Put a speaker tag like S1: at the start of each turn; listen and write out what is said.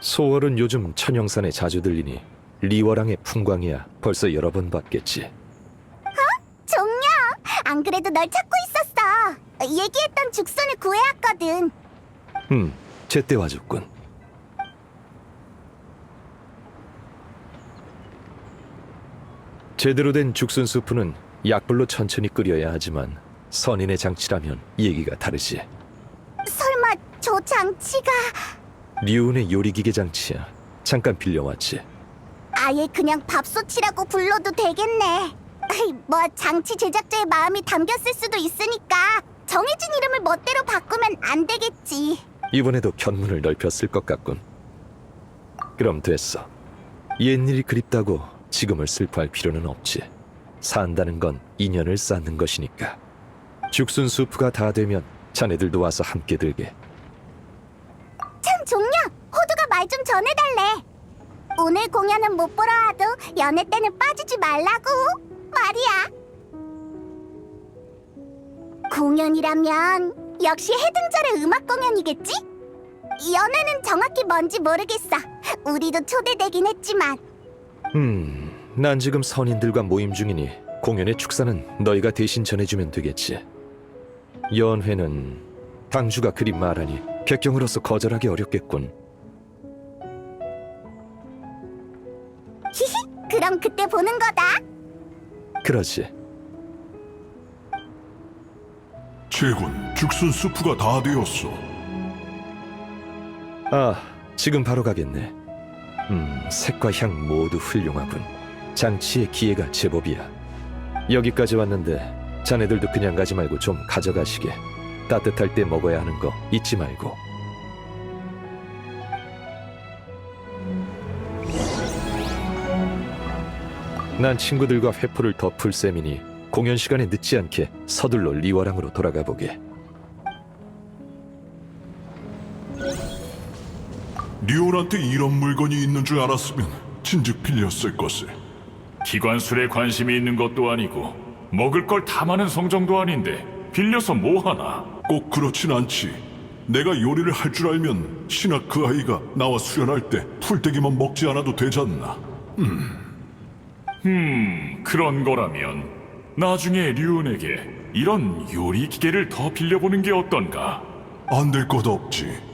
S1: 소월은 요즘 천영산에 자주 들리니 리워랑의 풍광이야 벌써 여러 번 봤겠지.
S2: 종려! 안 그래도 널 찾고 있었어. 얘기했던 죽순을 구해왔거든.
S1: 제때 와줬군. 제대로 된 죽순 수프는 약불로 천천히 끓여야 하지만 선인의 장치라면 얘기가 다르지.
S2: 설마 저 장치가
S1: 류은의 요리기계 장치야. 잠깐 빌려왔지.
S2: 아예 그냥 밥솥이라고 불러도 되겠네. 뭐 장치 제작자의 마음이 담겼을 수도 있으니까 정해진 이름을 멋대로 바꾸면 안 되겠지.
S1: 이번에도 견문을 넓혔을 것 같군. 그럼 됐어. 옛일이 그립다고 지금을 슬퍼할 필요는 없지. 산다는 건 인연을 쌓는 것이니까. 죽순 수프가 다 되면 자네들도 와서 함께 들게.
S2: 참 종려! 호두가 말 좀 전해달래. 오늘 공연은 못 보러 와도 연애 때는 빠지지 말라고 말이야. 공연이라면 역시 해등절의 음악 공연이겠지? 연애는 정확히 뭔지 모르겠어. 우리도 초대되긴 했지만.
S1: 난 지금 선인들과 모임 중이니 공연의 축사는 너희가 대신 전해주면 되겠지. 연회는 당주가 그리 말하니 객경으로서 거절하기 어렵겠군.
S2: 히히, 그럼 그때 보는 거다.
S1: 그러지.
S3: 제군, 죽순 수프가 다 되었어.
S1: 아, 지금 바로 가겠네. 색과 향 모두 훌륭하군. 장치의 기회가 제법이야. 여기까지 왔는데 자네들도 그냥 가지 말고 좀 가져가시게. 따뜻할 때 먹어야 하는 거 잊지 말고. 난 친구들과 회포를 덮을 셈이니 공연 시간에 늦지 않게 서둘러 리워랑으로 돌아가 보게.
S3: 리온한테 이런 물건이 있는 줄 알았으면 진즉 빌렸을 것을.
S4: 기관술에 관심이 있는 것도 아니고 먹을 걸 탐하는 성정도 아닌데 빌려서 뭐하나?
S3: 꼭 그렇진 않지. 내가 요리를 할 줄 알면 신학 그 아이가 나와 수련할 때 풀떼기만 먹지 않아도 되잖나.
S4: 그런 거라면 나중에 류은에게 이런 요리 기계를 더 빌려보는 게 어떤가?
S3: 안 될 것 없지.